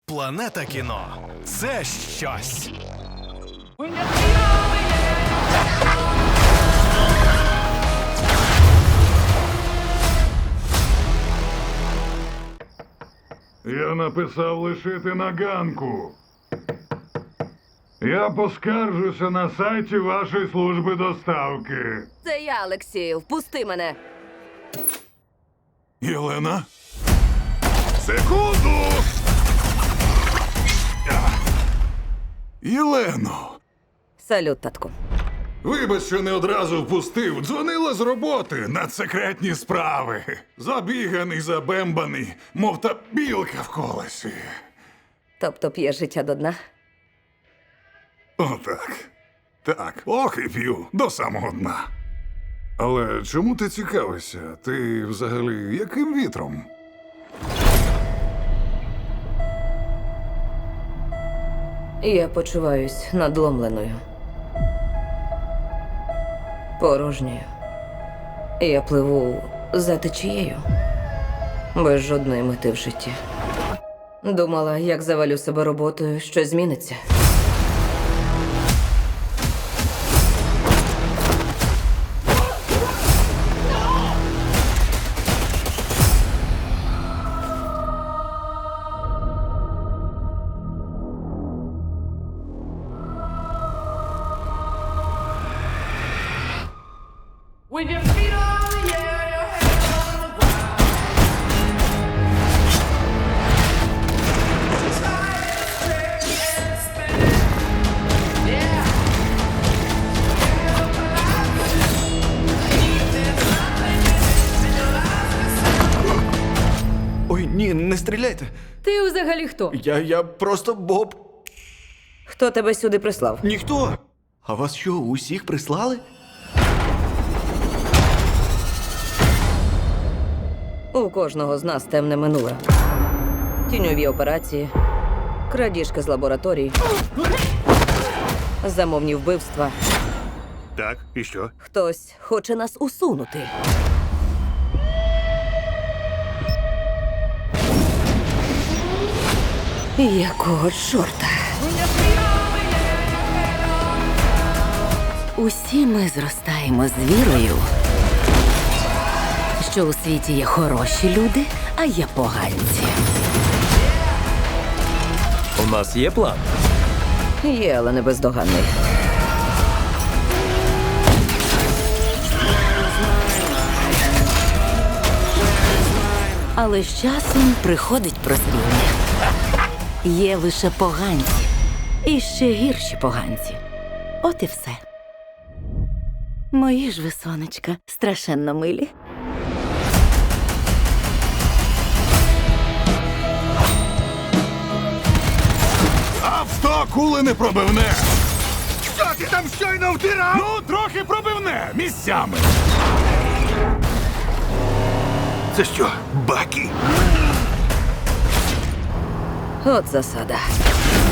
Планета кіно – це щось. Я написав лишити на ганку. Я поскаржуся на сайті вашої служби доставки. Це я, Олексію. Впусти мене. Єлена? Секунду! Єлено! Салют, татку. Вибач, що не одразу впустив. Дзвонила з роботи на секретні справи. Забіганий, забембаний, мов та білка в колесі. Тобто п'є життя до дна? Отак. Так, ох і п'ю, до самого дна. Але чому ти цікавишся? Ти взагалі яким вітром? Я почуваюсь надломленою. Порожньою. Я пливу за течією. Без жодної мети в житті. Думала, як завалю себе роботою, щось зміниться. With your feet on the air, your hands on the ground. Try and stretch and spin. Yeah. Feel alive. There's nothing in your life. Ой, ні, не стріляйте. Ти взагалі хто? Я просто Боб. Хто тебе сюди прислав? Ніхто. А вас що, усіх прислали? У кожного з нас темне минуле. Тіньові операції, крадіжки з лабораторій, замовні вбивства. Так, і що? Хтось хоче нас усунути. Якого чорта? Усі ми зростаємо з вірою, що у світі є хороші люди, а є поганці. У нас є план. Є, але не бездоганний. Але з часом приходить прозріння. Є лише поганці. І ще гірші поганці. От і все. Мої ж ви, сонечка, страшенно милі. Авто кули не пробивне! Що ти там щойно втирав? Ну, трохи пробивне, місцями. Це що, Бакі? От засада.